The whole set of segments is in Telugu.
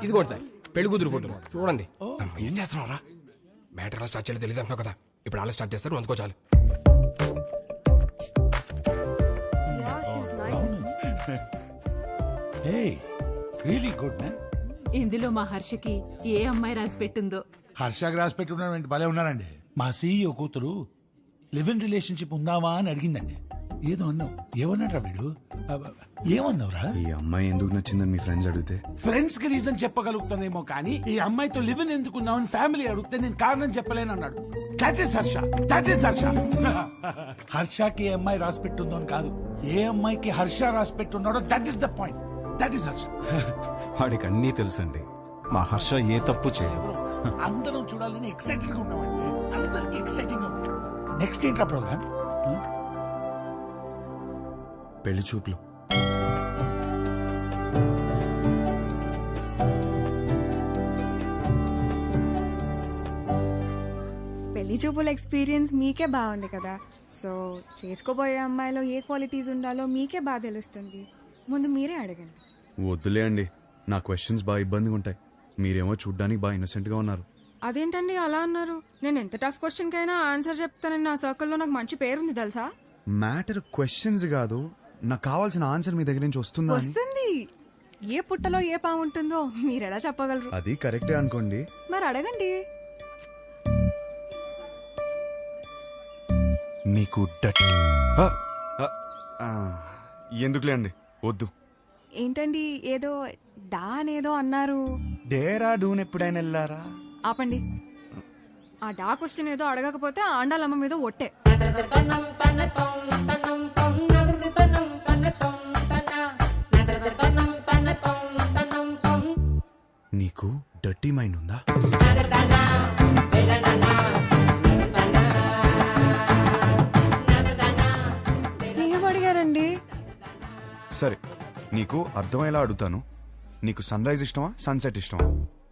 ఇది కూడా సార్ పెళ్లి కూతురు ఫోటో చూడండి. ఏం చేస్తున్నావురా? మ్యాటర్ ఎలా స్టార్ట్ చేయాలో తెలియదు అంటున్నావు కదా, ఇప్పుడు అలా స్టార్ట్ చేస్తారు, అందుకో చాలు. Really good man. ఇందులో మా హర్షకి ఏ అమ్మాయి రాసి పెట్టిందో. హర్షాకి రాసి పెట్టుకున్నాడు, భలే ఉన్నారండి. మా సీఈఓ కూతురు లివ్ ఇన్ రిలేషన్షిప్ ఉందావా అని అడిగిందండి. ఏదో అన్నావు, ఏమన్నాడ్రా వీడు? ఏమన్నావురా? ఈ అమ్మాయి ఎందుకు నచ్చిందని మీ ఫ్రెండ్స్ అడిగితే ఫ్రెండ్స్ కి రీజన్ చెప్పగలుగుతానేమో కానీ ఈ అమ్మాయితో లివ్ ఇన్ ఎందుకున్నావని ఫ్యామిలీ అడిగితే నేను కారణం చెప్పలేను అన్నాడు. That is Harsha, that is Harsha. హర్షకి ఏ అమ్మాయి రాసి పెట్టుందో అని కాదు, ఏ అమ్మాయికి హర్ష రాసి పెట్టున్నాడో that is the point. That is Harsha. వాడికి అన్నీ తెలుసండి. మా హర్ష ఏ తప్పు చేయదు. అందరం చూడాలని ఎక్సైటెడ్ గా ఉన్నామండి. అందరికి ఎక్సైటింగ్ గా ఉంది. నెక్స్ట్ ఏంట్రా ప్రోగ్రామ్? పెళ్లి చూపులు. పెళ్లి చూపుల ఎక్స్పీరియన్స్ మీకే బాగుంది కదా, సో చేసుకోబోయే అమ్మాయిలో ఏ క్వాలిటీస్ ఉండాలో మీకే బాగా తెలుస్తుంది. ముందు మీరే అడగండి. వద్దులే అండి, నా క్వశ్చన్స్ బాగా ఇబ్బందిగా ఉంటాయి. మీరేమో చూడ్డానికి బాగా ఇన్నోసెంట్ గా ఉన్నారు. అదేంటండి అలా అన్నారు? నేను ఎంత టఫ్ క్వశ్చన్ కైనా ఆన్సర్ చెప్తానని నా సర్కిల్లో నాకు మంచి పేరుంది తెలుసా. మ్యాటర్ క్వశ్చన్స్ కాదు, నాకు కావాల్సిన ఆన్సర్ మీ దగ్గర నుంచి వస్తుందా అని. వస్తుంది. ఏ పుట్టలో ఏ పాము ఉంటుందో మీరెలా చెప్పగలరు? అది కరెక్టే అనుకోండి. మరి అడగండి. మీకు ఎందుకులే అండి, వద్దు. ఏంటండి ఏదో డా అనేదో అన్నారు? డేరా డూన్ ఎప్పుడైనా వెళ్ళారా? ఆపండి. ఆ డా క్వశ్చన్ ఏదో అడగకపోతే ఆండాలమ్మ మీద ఒట్టే. నీకు డర్టీ మైండ్ ఉందా? ఏం అడిగారండి? సరే, నీకు అర్థమయ్యేలా అడుగుతాను. నీకు సన్ రైజ్ ఇష్టమా, సన్సెట్ ఇష్టమా?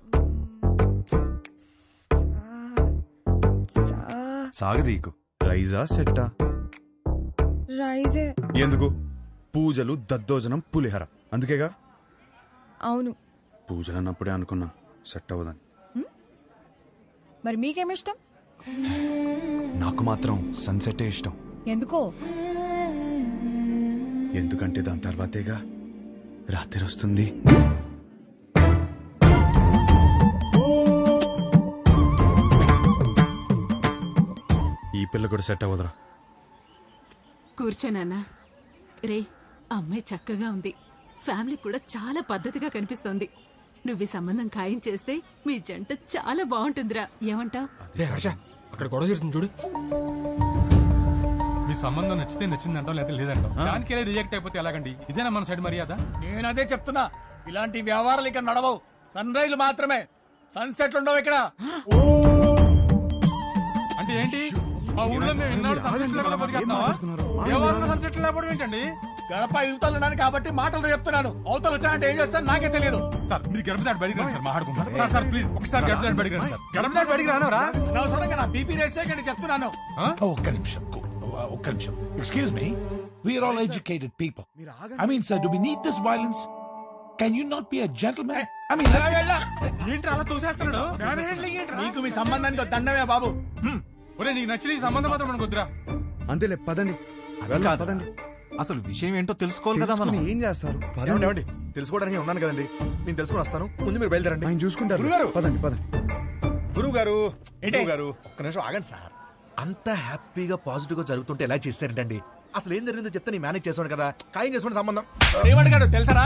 సాగదీకు. రైజా సెట్టా? రైజే. ఎందుకు? పూజలు, దద్దోజనం, పులిహర, అందుకేగా. అవును. పూజలు అన్నప్పుడే అనుకున్నా సెట్ అవ్వదని. మరి మీకేమిష్టం? నాకు మాత్రం సన్సెటే ఇష్టం. ఎందుకో? ఎందుకంటే దాని తర్వాతేగా రాత్రి వస్తుంది. ఈ పిల్ల కూడా సెట్ అవ్వదురా. కూర్చోనన్నా. రే, అమ్మాయి చక్కగా ఉంది, ఫ్యామిలీ కూడా చాలా పద్ధతిగా కనిపిస్తోంది. నువ్వు ఈ సంబంధం ఖాయం చేస్తే మీ జంట చాలా బాగుంటుందిరా. ఏమంటావ్? రే హర్ష, అక్కడ గొడవ జరుగుతుంది చూడు. మీ సంబంధం నచ్చితే నచ్చిందంటాం, లేదా లేదంటాం. దానికే రిజెక్ట్ అయిపోతే ఎలాగండి? ఇదేనా మన సైడ్ మర్యాద? నేను అదే చెప్తున్నా, ఇలాంటి వ్యవహారాలు ఇక్కడ నడవవు. సన్ రైజ్ మాత్రమే, సన్సెట్ ఉండవు ఇక్కడ. అంటే ఏంటి? మా ఊళ్ళో మేము ఇన్నాళ్ళు సన్సెట్ లేకుండా బతికేస్తున్నావా? వ్యవహారంలో సన్సెట్ లేకపోవడం ఏంటండి? గడప యువతలు ఉన్నాను కాబట్టి మాటలతో చెప్తున్నాను. అవతలు వచ్చానంటే ఏం చేస్తాను నాకే తెలియదు. సార్ మీరు గడప దాటి బడికి రండి సార్, మాట్లాడుకుంటాం. సార్ సార్ ప్లీజ్ ఒకసారి గడప దాటి బడికి రండి సార్. గడప దాటి బడికి రానవరా? అనవసరంగా నా బీపీ రేస్ చేయకండి చెప్తున్నాను. ఒక్క నిమిషం, ఒక్క నిమిషం. Excuse me, we're all educated people. I mean sir, do we need this violence? Can you not be a gentlemen? I mean ఏంటి అలా చూసేస్తున్నాడు? నీకు మీ సంబంధానికి దండమే బాబు. ఒరే, నీకు నచ్చిన ఈ సంబంధం మాత్రం మనకు వద్దురా. అంతేలే, పదండి. పదండి. అసలు విషయం ఏంటో తెలుసుకోవాలి కదా మనం. ఏం చేస్తారు? ఏమండి, తెలుసుకోవడానికి ఉన్నాను కదండి, నేను తెలుసుకుని వస్తాను. ముందు మీరు బయలుదేరండి. ఆయన చూసుకుంటారు. గురుగారు, పదండి పదండి. గురువు గారు, గురువు గారు ఒక్క నిమిషం ఆగండి సార్. అంత హ్యాపీగా పాజిటివ్ గా జరుగుతుంటే ఎలా చేశారంటండి? అసలు ఏం జరిగిందో చెప్తే నేను మేనేజ్ చేసాను కదా. ఖాయం చేసుకోండి సంబంధం. ఏమడిగాడు తెలుసరా?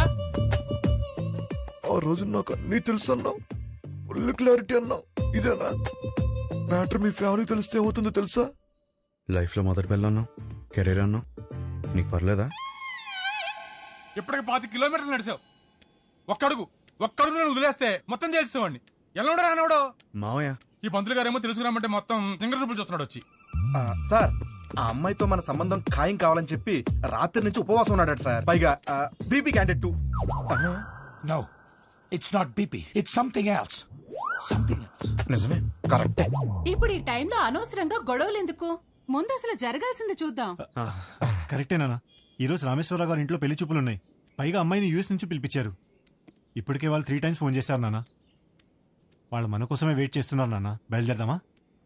ఆ రోజు నాకు అన్నీ తెలుసు అన్నావు, ఫుల్ క్లారిటీ అన్నావు. ఇదేనా మ్యాటర్? మీ ఫ్యామిలీ తెలిస్తే ఏమవుతుందో తెలుసా? లైఫ్ లో మొదటి పిల్ల అన్నావు, కెరీర్ అన్నావు, నీకు పర్లేదా? ఇప్పటికి 5 కిలోమీటర్లు నడిచావు. ఒక్కడుగు నేను వదిలేస్తే మొత్తం తెలుసుకోండి. ఎలా రానవడో మావయ్య. ఈ పంతులు గారేమో తెలుసుకురామంటే మొత్తం సింగర్ సూపులు చూస్తున్నాడు వచ్చి. సార్, ఆ అమ్మాయితో మన సంబంధం ఖాయం కావాలని చెప్పి రాత్రి నుంచి ఉపవాసం ఉన్నాడు సార్. పైగా BP candidate 2. No, it's not BP, it's something else. నిజమే, కరెక్టే. ఇప్పుడు ఈ టైంలో అనవసరంగా గొడవలు ఎందుకు? ముందు అసలు జరగాల్సింది చూద్దాం. కరెక్టేనా? ఈ రోజు రామేశ్వరరావు గారి ఇంట్లో పెళ్లి చూపులున్నాయి. పైగా అమ్మాయిని యూఎస్ నుంచి పిలిపించారు. ఇప్పటికే వాళ్ళు 3 times ఫోన్ చేశారు నాన్న. వాళ్ళు మన కోసమే వెయిట్ చేస్తున్నారు నాన్న. బయలుదేరదామా?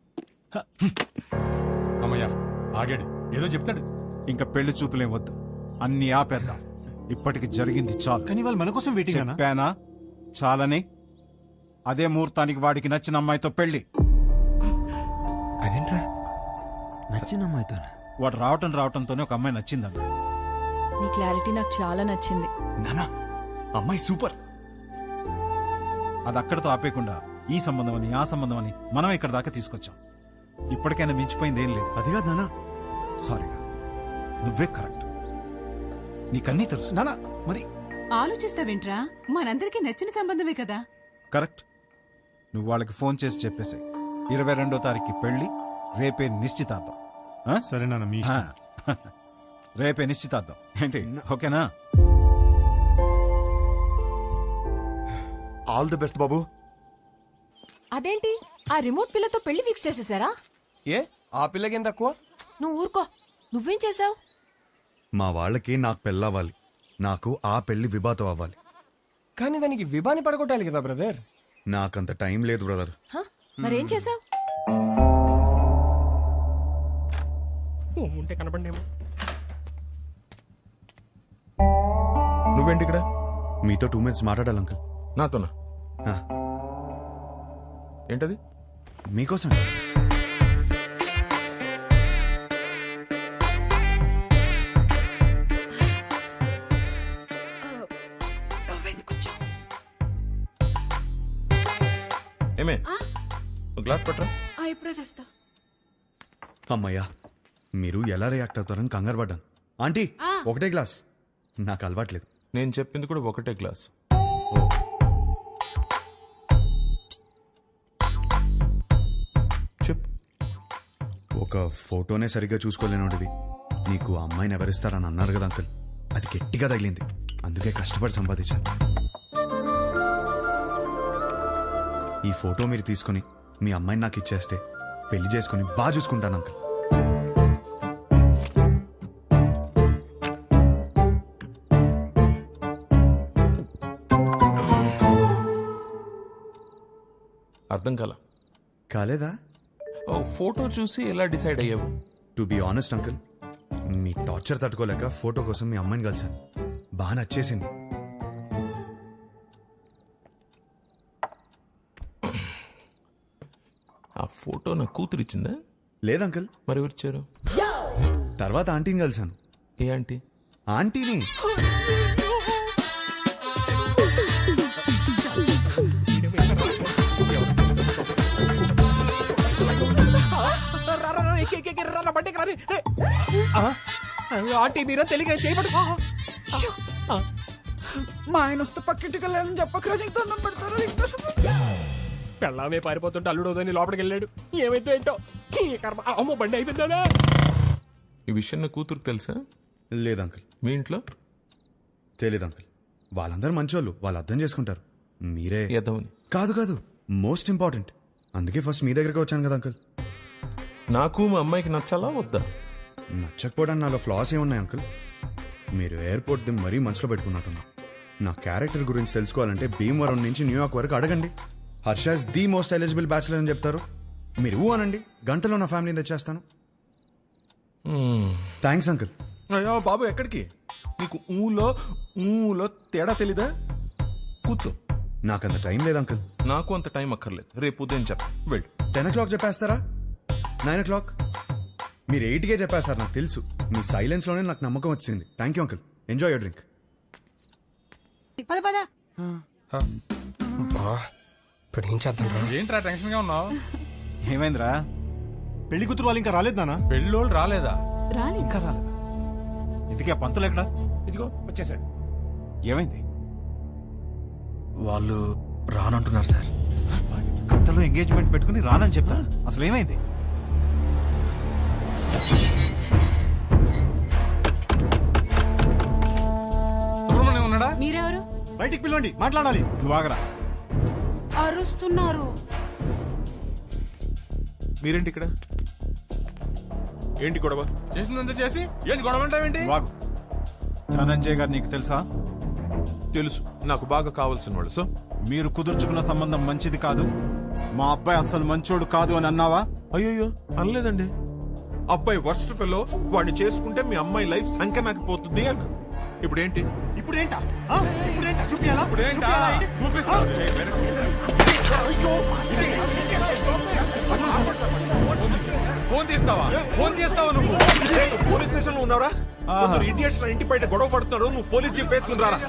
అమ్మయ్యా ఆగాడు, ఏదో చెప్తాడు. ఇంకా పెళ్లి చూపులేం వద్దు, అన్ని ఆపేద్దాం. ఇప్పటికి జరిగింది చాలు. కానీ వాళ్ళు మన కోసం వెయిటింగ్ చెప్పానా చాలని. అదే ముహూర్తానికి వాడికి నచ్చిన అమ్మాయితో పెళ్లి. అదేంట్రా నచ్చిన అమ్మాయితో? వాడు రావటంతోనే ఒక అమ్మాయి నచ్చిందన్న. నీ క్లారిటీ నాకు చాలా నచ్చింది. నానా అమ్మాయి సూపర్. అది అక్కడితో ఆపేయకుండా ఈ సంబంధం అని ఆ సంబంధం అని మనం ఇక్కడ దాకా తీసుకొచ్చాం. ఇప్పటికైనా మించిపోయింది ఏం లేదు. అది కాదు నానా. సారీరా, నువ్వే కరెక్ట్. నీకన్నీ తెలుసు నానా. మరి ఆలోచిస్తావేంట్రా? మనందరికీ నచ్చిన సంబంధమే కదా. కరెక్ట్. నువ్వు వాళ్ళకి ఫోన్ చేసి చెప్పేసి 22వ తారీఖు పెళ్లి, రేపే నిశ్చితార్థం. సరే నాన్న, మీ రేపే నిశ్చితార్థం ఏంటి? ఓకేనా? ఆల్ ది బెస్ట్ బాబు. అదేంటి ఆ రిమోట్ పిల్లతో పెళ్లి ఫిక్స్ చేసేసారా? ఏ ఆ పిల్లకేం తక్కువ? నువ్వు ఊరుకో. నువ్వేం చేసావు? మా వాళ్ళకి నాకు పెళ్ళవ్వాలి, నాకు ఆ పెళ్లి విభాతం అవ్వాలి. కానీ దానికి విభాని పడగొట్టాలి కదా బ్రదర్. నాకంత టైం లేదు బ్రదర్. మరేం చేసావు? ఉంటే కనపడేమో. నువ్వేంటి ఇక్కడ? మీతో 2 minutes మాట్లాడాలి అంకుల్. నాతోనా? ఏంటది? మీకోసం. ఏమే గ్లాస్ పట్టరా. ఇప్పుడే తెస్తా. అమ్మయ్యా, మీరు ఎలా రియాక్ట్ అవుతారని కంగారు పడ్డాను. ఆంటీ ఒకటే గ్లాస్, నాకు అలవాట్లేదు. నేను చెప్పింది కూడా ఒకటే గ్లాస్. చెప్పు. ఒక ఫోటోనే సరిగ్గా చూసుకోలేనోడివి నీకు ఆ అమ్మాయిని ఎవరిస్తారని అన్నారు కదా అంకుల్. అది గట్టిగా తగిలింది, అందుకే కష్టపడి సంపాదించాను. ఈ ఫోటో మీరు తీసుకుని మీ అమ్మాయిని నాకు ఇచ్చేస్తే పెళ్లి చేసుకుని బాగా చూసుకుంటాను అంకుల్. అర్థం కాలేదా? ఫోటో చూసి ఎలా డిసైడ్ అయ్యావు? టు బి ఆనెస్ట్ అంకుల్, మీ టార్చర్ తట్టుకోలేక ఫోటో కోసం మీ అమ్మాయిని కలిశాను. బాగా నచ్చేసింది. ఆ ఫోటో నా కూతురు ఇచ్చిందా? లేదు అంకుల్. మరి ఎవరిచ్చారు? తర్వాత ఆంటీని కలిశాను. ఏ ఆంటీ? ఆంటీని. ఆంటీ మీరా తెలియక చేయబడు. మా ఆయన వస్తే పక్కింటికి వెళ్ళాలని చెప్పకరా, నీకు దండం పెడతారు. పెళ్ళామే పారిపోతుంటే అల్లుడోదని లోపలికి వెళ్ళాడు. ఏమైతే ఏంటో ఈ కర్మ. అమ్మో బండి అయిపోయిందా? ఈ విషయం నా కూతురుకు తెలుసా? లేదు అంకుల్. మీ ఇంట్లో? తెలీదు అంకుల్. వాళ్ళందరూ మంచోళ్ళు, వాళ్ళు అర్థం చేసుకుంటారు. మీరే ఎదవని. కాదు కాదు, మోస్ట్ ఇంపార్టెంట్. అందుకే ఫస్ట్ మీ దగ్గరికి వచ్చాను కదా అంకుల్. నాకు మా అమ్మాయికి నచ్చాలా వద్దా? నచ్చకపోవడానికి నాలో ఫ్లాస్ ఏమున్నాయి అంకుల్? మీరు ఎయిర్పోర్ట్ ది మరీ మనసులో పెట్టుకున్నట్టున్నా. నా క్యారెక్టర్ గురించి తెలుసుకోవాలంటే భీమవరం నుంచి న్యూయార్క్ వరకు అడగండి. Harsha is the most eligible bachelor అని చెప్తారు. మీరు అనండి, గంటలో నా ఫ్యామిలీని తెచ్చేస్తాను. Thanks uncle. అయ్యో బాబు, ఎక్కడికి? నీకు ఊలో తేడా తెలీదా? కూర్చో. నాకంత టైం లేదు అంకుల్. నాకు అంత టైం అక్కర్లేదు, రేపు ఉదయం చెప్తా. వెళ్ళు. 10 o'clock చెప్పేస్తారా? 9 o'clock? మీరు 8కే చెప్పేస్తారు, నాకు తెలుసు. మీ సైలెన్స్లోనే నాకు నమ్మకం వచ్చింది. Thank you uncle. Enjoy your drink. ఇప్పుడు ఏం చేద్దాం? ఏంట్రా టెన్షన్ గా ఉన్నావు? ఏమైందిరా? పెళ్లి కూతురు వాళ్ళు ఇంకా రాలేదు నాన్న. పెళ్ళోళ్ళు రాలేదా? రాలి ఇంకా రాలేదా? ఇందుకే ఆ పంతులు ఎక్కడా? ఇదిగో వచ్చేసాడు. ఏమైంది? వాళ్ళు రానంటున్నారు సార్. గంటలో ఎంగేజ్మెంట్ పెట్టుకుని రానని చెప్తా. అసలు ఏమైంది? సుబ్రహ్మణ్యం ఉన్నాడా? మీరెవరు? బయటికి పిలవండి, మాట్లాడాలి. నువ్వు ఆగరా. అరుస్తున్నారు. మీరేంటి ఇక్కడ? ఏంటి గొడవ? చేసిందంతా చేసి ఏంటి గొడవ అంటావేంటి? వాగు. ధనంజయ్ గారు నీకు తెలుసా? తెలుసు నాకు బాగా కావాల్సిన వాళ్ళు. సో మీరు కుదుర్చుకున్న సంబంధం మంచిది కాదు, మా అబ్బాయి అసలు మంచోడు కాదు అని అన్నావా? అయ్యో అనలేదండి. అబ్బాయి వర్స్ట్ ఫెలో, వాడిని చేసుకుంటే మీ అమ్మాయి లైఫ్ సంఖ్య నాకు పోతుంది అన్న. ఇప్పుడేంటి? ఇప్పుడేంటా చూపియాలా? ఇప్పుడేంటా? చూపిస్తా. ఫోన్ తీస్తావా? ఫోన్ చేస్తావా నువ్వు? పోలీస్ స్టేషన్ లో ఉన్నారా? ఇడియట్స్ ఇంటి బయట గొడవ పడుతున్నాడు, నువ్వు పోలీస్ జీప్ వేసుకుని రారా.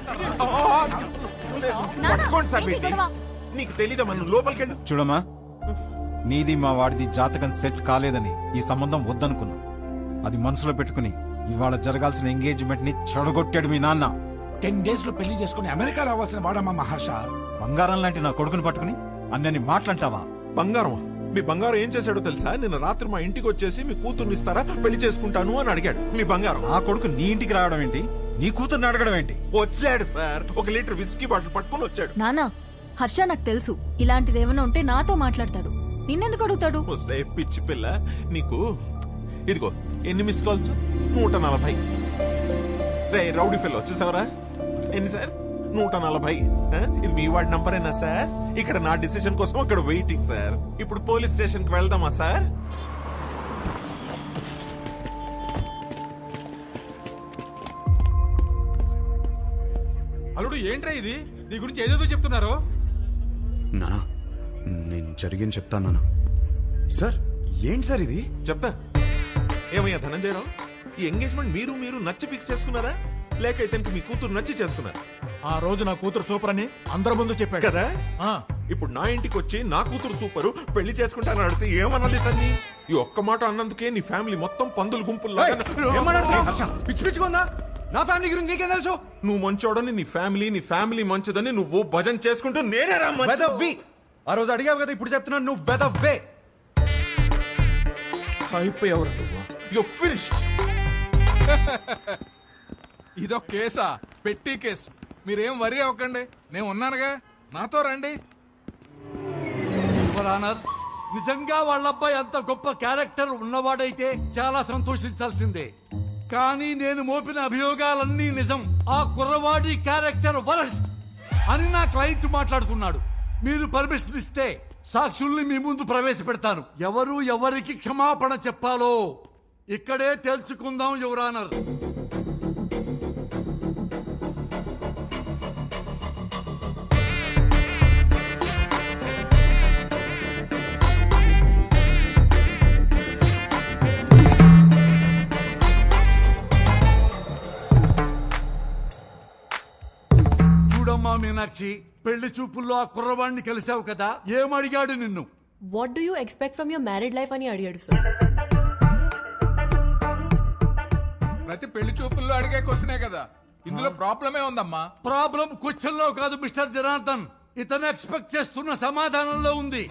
పట్టుకోండి సార్ పెట్టి. నీకు తెలీదమ్మా, నువ్వు లోపలికి వెళ్ళి. చూడమ్మా, నీది మా వాడిది జాతకం సెట్ కాలేదని ఈ సంబంధం వద్దనుకున్నా. అది మనసులో పెట్టుకుని ఇవాళ జరగాల్సిన ఎంగేజ్మెంట్ ని చెడగొట్టాడు మీ నాన్న. 10 days లో పెళ్లి చేసుకుని అమెరికా రావాల్సిన వాడమ్మా మహర్ష. బంగారం లాంటి నా కొడుకుని పట్టుకుని అన్నని మాట్లాంటావా? బంగారం? మీ బంగారం ఏం చేశాడో తెలుసా? నిన్న రాత్రి మా ఇంటికి వచ్చేసి మీ కూతుర్ని ఇస్తారా, పెళ్లి చేసుకుంటాను అని అడిగాడు. మీ బంగారం. ఆ కొడుకు నీ ఇంటికి రావడం ఏంటి, నీ కూతుర్ని అడగడం ఏంటి? వచ్చాడు సార్, 1 లీటర్ విస్కీ బాటిల్ పట్టుకుని వచ్చాడు. నానా, హర్ష నాకు తెలుసు ఇలాంటిది ఏమైనా ఉంటే నాతో మాట్లాడతాడు, నిన్నెందుకు అడుగుతాడు? పిచ్చి పిల్ల నీకు. ఇదిగో ఎన్ని మిస్డ్ కాల్స్? 140. రే రౌడీ ఫెల్ వచ్చేసావరా? ఎన్ని సార్? 140. ఇది మీ వాడి నంబరేనా సార్? ఇక్కడ నా డిసిషన్ కోసం అక్కడ వెయిటింగ్ సార్. ఇప్పుడు పోలీస్ స్టేషన్ కి వెళ్దామా సార్? అల్లుడు ఏంట్రా ఇది? నీ గురించి ఏదేదో చెప్తున్నారు. నానా నేను జరిగింది చెప్తాను నానా. సార్ ఏంటి సార్ ఇది? చెప్తా. ఏమయ్యా ధనంజయరావు, ఈ ఎంగేజ్మెంట్ మీరు నచ్చి ఫిక్స్ చేసుకున్నారా, లేక ఇతనికి మీ కూతురు నచ్చి చేసుకున్నారా? ఆ రోజు నా కూతురు సూపర్ అని అందరి ముందు చెప్పాడు కదా. ఇప్పుడు నా ఇంటికి వచ్చి నా కూతురు సూపరు, పెళ్లి చేసుకుంటానని అడిగితే ఏమన్నది తన్ని? ఈ ఒక్క మాట అన్నందుకే నీ ఫ్యామిలీ మొత్తం పందులు గుంపుల్లో. పిచ్చి పిచ్చిగా నా ఫ్యామిలీ గురించి నీకేం తెలుసు? నువ్వు మంచోడని నీ ఫ్యామిలీ మంచిదని నువ్వు భజన చేసుకుంటూ నేనే వెదవ్వి. ఆ రోజు అడిగావు కదా, ఇప్పుడు చెప్తున్నాను నువ్వు వెదవ్వే. అయిపోయావురా నువ్వు. You finished. ఇదొక కేసా? పెట్టి కేసు. మీరేం వరి అవ్వకండి, నేను ఉన్నానుగా, నాతో రండి. నిజంగా వాళ్ళ అబ్బాయి అంత గొప్ప క్యారెక్టర్ ఉన్నవాడైతే చాలా సంతోషించాల్సిందే. కానీ నేను మోపిన అభియోగాలన్నీ నిజం. ఆ కుర్రవాడి క్యారెక్టర్ వరస్ట్ అని నా క్లయింట్ మాట్లాడుతున్నాడు. మీరు పర్మిషన్ ఇస్తే సాక్షుల్ని మీ ముందు ప్రవేశపెడతాను. ఎవరు ఎవరికి క్షమాపణ చెప్పాలో ఇక్కడే తెలుసుకుందాం యువర్ ఆనర్. చూడమ్మా మీనాక్షి, పెళ్లి చూపుల్లో ఆ కుర్రవాడిని కలిసావు కదా, ఏమడిగాడు నిన్ను? What do you expect from your married life అని అడిగాడు సార్. ప్రతి పెళ్లి చూపుల్లో అడిగే క్వశ్చనే కదా, ఇందులో ప్రాబ్లమే ఉందమ్మా. ప్రాబ్లం క్వశ్చన్ లో కాదు మిస్టర్ జనార్దన్, ఇతను ఎక్స్పెక్ట్ చేస్తున్న సమాధానంలో ఉంది.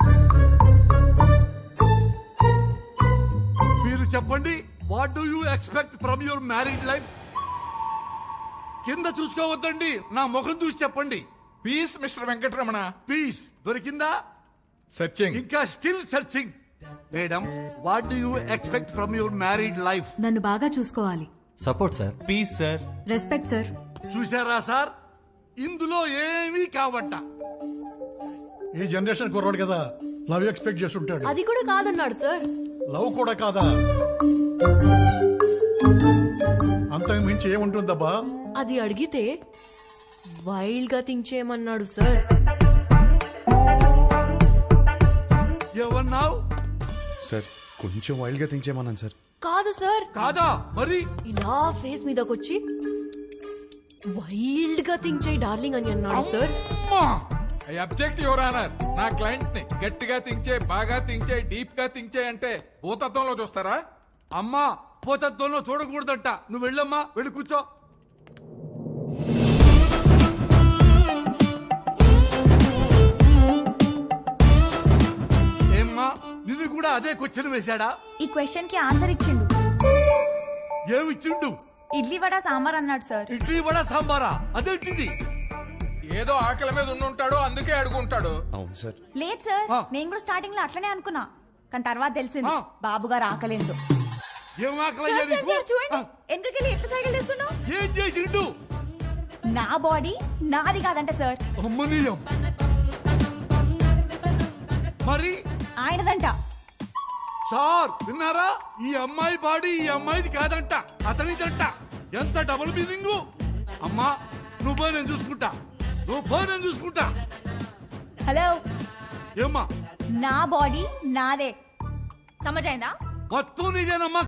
మీరు చెప్పండి, what do you expect from your married life? కింద చూసుకోవద్దండి, నా ముఖం చూసి చెప్పండి. Peace mister Venkataramana. పీస్ దొరికిందా? సర్చింగ్. ఇంకా still searching. Madam, what do you expect from your married life? నన్ను బాగా చూసుకోవాలి. Support sir. Peace sir. Respect sir. చూసారా సార్, ఇందులో ఏమీ కావట. ఈ జనరేషన్ కుర్రాడు కదా, లవ్ ఎక్స్పెక్ట్ చేస్తుంటాడు. అది కూడా కాదన్నాడు సార్. లవ్ కూడా కాదా? అంతకు మించి ఏముంటుందబ్బా? అది అడిగితే వైల్డ్ గా థింక్ చేయమన్నాడు సార్. ఏమన్నావు? సార్ కొంచెం వైల్డ్ గా థింక్ చేయమన్నాను సార్. కాదు సార్. కాదా? మరి ఇలా ఫేస్ మీదకొచ్చి వైల్డ్ గా థింక్ చేయి డార్లింగ్ అని అన్నాడు sir. I object your honour. నా క్లయింట్ ని గట్టిగా థింక్ చేయి, బాగా థింక్ చేయి, డీప్ గా థింక్ చేయి అంటే భూతత్వంలో చూస్తారా? అమ్మా, పోతత్వంలో చూడకూడదంట. నువ్వు వెళ్ళమ్మా, వెళ్ళి కూర్చో. ఏమ్మా, నిన్ను కూడా అదే క్వశ్చన్ వేశాడా? ఈ క్వశ్చన్ కి ఆన్సర్ ఇచ్చిండు. ఏమిచ్చిండు? ఇడ్లీ వడ సాంబార్ అన్నాడు సార్. ఇడ్లీ వడ సాంబారా? అదేంటిది? ఏదో ఆకలి మీద ఉండుంటాడు, అందుకే అడుగుంటాడు. అవును సార్. లేదు సార్, నేను కూడా స్టార్టింగ్ లో అట్లనే అనుకున్నా, కానీ తర్వాత తెలిసింది బాబు గారు ఆకలేదు. ఏం ఆకలి? చూడండి, ఎందుకెళ్ళి ఎట్లా సైకిల్ చేస్తున్నావు? ఏం చేసిండు? నా బాడీ నాది కాదంట సార్. అమ్మనీయం. మరి ఆయనదంట. సార్ విన్నారా? ఈ అమ్మాయి బాడీ ఈ అమ్మాయిది కాదంట, అతనిదంట. ఎంత డబుల్ మీనింగ్. అమ్మా నువ్వు నేను చూసుకుంటా, నేను చూసుకుంటా. హలో, ఏమ్మా? నా బాడీ నాదే. సమజైందా? మొత్తం నీదేనమ్మా.